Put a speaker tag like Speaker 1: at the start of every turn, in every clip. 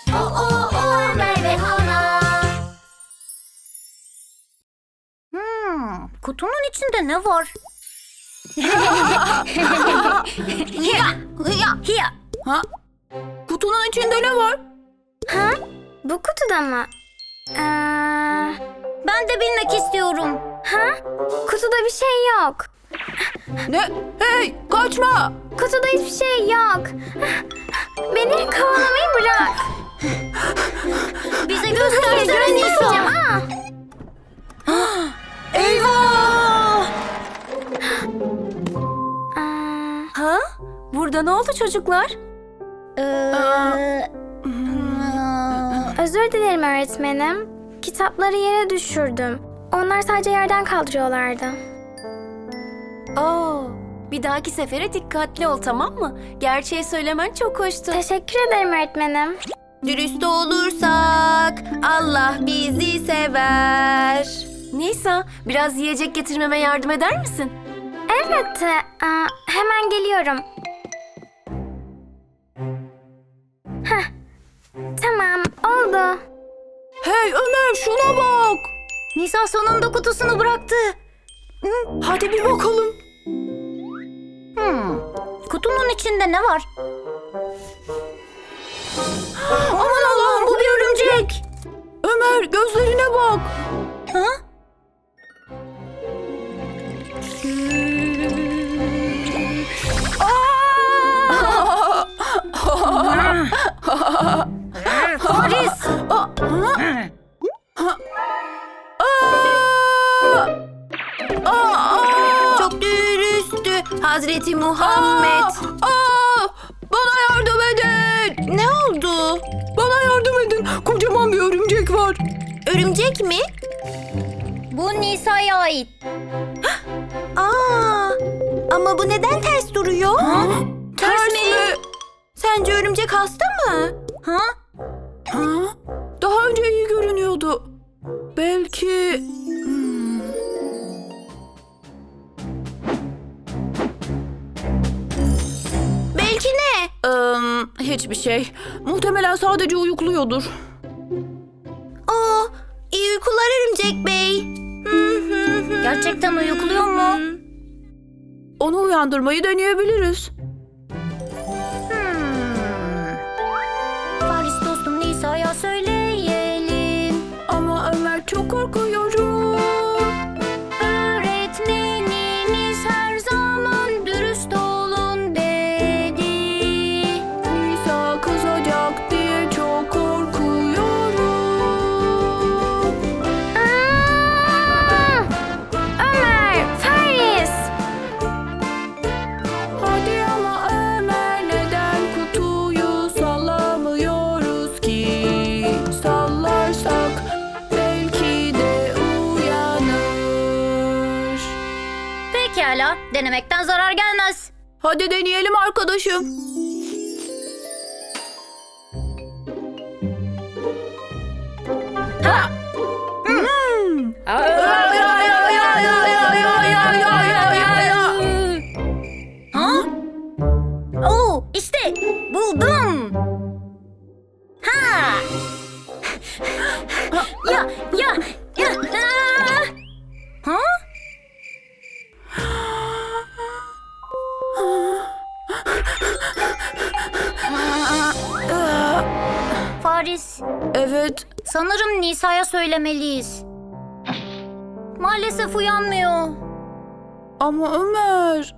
Speaker 1: Ömer ve Hana.
Speaker 2: Kutunun içinde ne var? Hiya.
Speaker 3: Ha? Kutunun içinde ne var?
Speaker 1: Ha? Bu kutuda mı?
Speaker 2: Ben de bilmek istiyorum.
Speaker 1: Ha? Kutuda bir şey yok.
Speaker 3: Ne? Hey, kaçma!
Speaker 1: Kutuda hiçbir şey yok. Beni kovalamayı bırak.
Speaker 2: Bize göstersene
Speaker 1: Göstereceğim.
Speaker 2: Nisa.
Speaker 3: Eyvah!
Speaker 1: Ha?
Speaker 3: Burada ne oldu çocuklar?
Speaker 1: Özür dilerim öğretmenim. Kitapları yere düşürdüm. Onlar sadece yerden kaldırıyorlardı.
Speaker 4: Bir dahaki sefere dikkatli ol, tamam mı? Gerçeği söylemen çok hoştu.
Speaker 1: Teşekkür ederim öğretmenim.
Speaker 4: Dürüst olursak Allah bizi sever. Nisa, biraz yiyecek getirmeme yardım eder misin?
Speaker 1: Elbette. Hemen geliyorum. Heh. Tamam, oldu.
Speaker 3: Hey Ömer, şuna bak!
Speaker 2: Nisa sonunda kutusunu bıraktı.
Speaker 3: Hadi bir bakalım.
Speaker 2: Kutunun içinde ne var?
Speaker 3: Aman Allah'ım, bu bir örümcek! Ömer, gözlerine bak!
Speaker 2: Ha? Paris!
Speaker 4: Çok dürüsttü Hazreti Muhammed.
Speaker 3: Bana yardım edin!
Speaker 4: Ne oldu?
Speaker 3: Bana yardım edin! Kocaman bir örümcek var.
Speaker 4: Örümcek mi?
Speaker 2: Bu Nisa'ya ait.
Speaker 4: Ama bu neden ters duruyor?
Speaker 3: Ters mi?
Speaker 4: Sence örümcek hasta mı?
Speaker 2: Ha?
Speaker 3: Ha? Daha önce iyi görünüyordu. Belki...
Speaker 4: Belki ne?
Speaker 3: Hiçbir şey. Muhtemelen sadece uyukluyordur.
Speaker 4: İyi uykular örümcek bey.
Speaker 2: Gerçekten uyukluyor mu?
Speaker 3: Onu uyandırmayı deneyebiliriz.
Speaker 2: Paris dostum Nisa'ya söyleyelim.
Speaker 3: Ama Ömer, çok korkuyorum.
Speaker 2: Öğretmenimiz her zaman dürüst olun dedi.
Speaker 3: Nisa kızacak diye çok korkuyorum.
Speaker 1: Ömer, Paris.
Speaker 3: Hadi ama Ömer, neden kutuyu sallamıyoruz ki? Sallarsak belki de uyanır.
Speaker 2: Pekala, denemekten zarar gelmez.
Speaker 3: Hadi deneyelim arkadaşım.
Speaker 2: Ha? İşte buldum. Ha! Ya. Ha? Paris,
Speaker 3: Evet,
Speaker 2: sanırım Nisa'ya söylemeliyiz. Maalesef uyanmıyor.
Speaker 3: ama Ömer...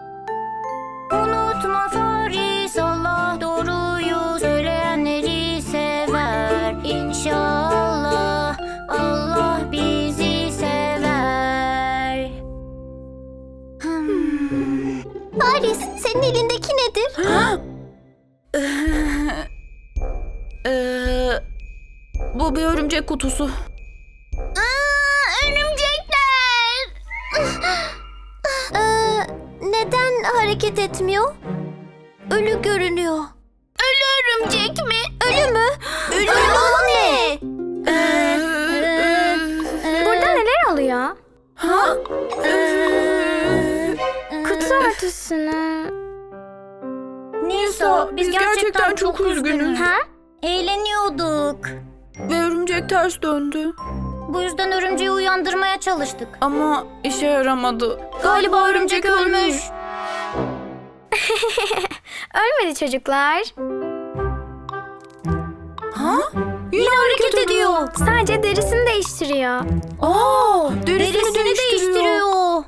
Speaker 2: Unutma Paris, Allah doğruyu söyleyenleri sever. İnşallah Allah bizi sever.
Speaker 1: Paris, senin elindeki nedir?
Speaker 3: Bu bir örümcek kutusu.
Speaker 1: Örümcekler. Neden hareket etmiyor? Ölü görünüyor. Ölü örümcek mi? Ölü mü?
Speaker 4: Ölü o ne?
Speaker 1: Burada neler oluyor?
Speaker 3: Ha?
Speaker 1: Kutu örtüsünü.
Speaker 2: Nisa, biz gerçekten çok üzgünüz.
Speaker 1: Ha?
Speaker 2: Eğleniyorduk. yaptık.
Speaker 3: Ve örümcek ters döndü.
Speaker 2: Bu yüzden örümceği uyandırmaya çalıştık.
Speaker 3: Ama işe yaramadı.
Speaker 2: Galiba örümcek ölmüş.
Speaker 1: Ölmedi çocuklar.
Speaker 3: Yine hareket ediyor.
Speaker 1: Sadece derisini değiştiriyor.
Speaker 3: Derisini
Speaker 2: değiştiriyor.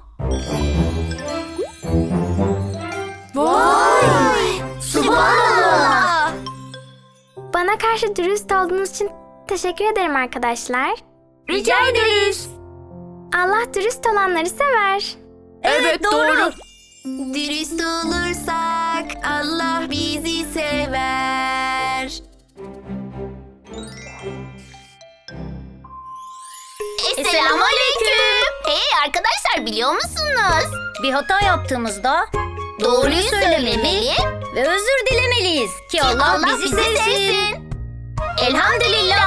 Speaker 3: Vay!
Speaker 2: Subhanallah.
Speaker 1: Bana karşı dürüst olduğunuz için teşekkür ederim arkadaşlar.
Speaker 3: Rica ederiz.
Speaker 1: Allah dürüst olanları sever.
Speaker 3: Evet, doğru.
Speaker 4: Dürüst olursak Allah bizi sever.
Speaker 2: Selamünaleyküm. Hey arkadaşlar, biliyor musunuz? Bir hata yaptığımızda doğruyu söylemeli ve özür dilemeliyiz ki Allah bizi sevsin. Elhamdülillah.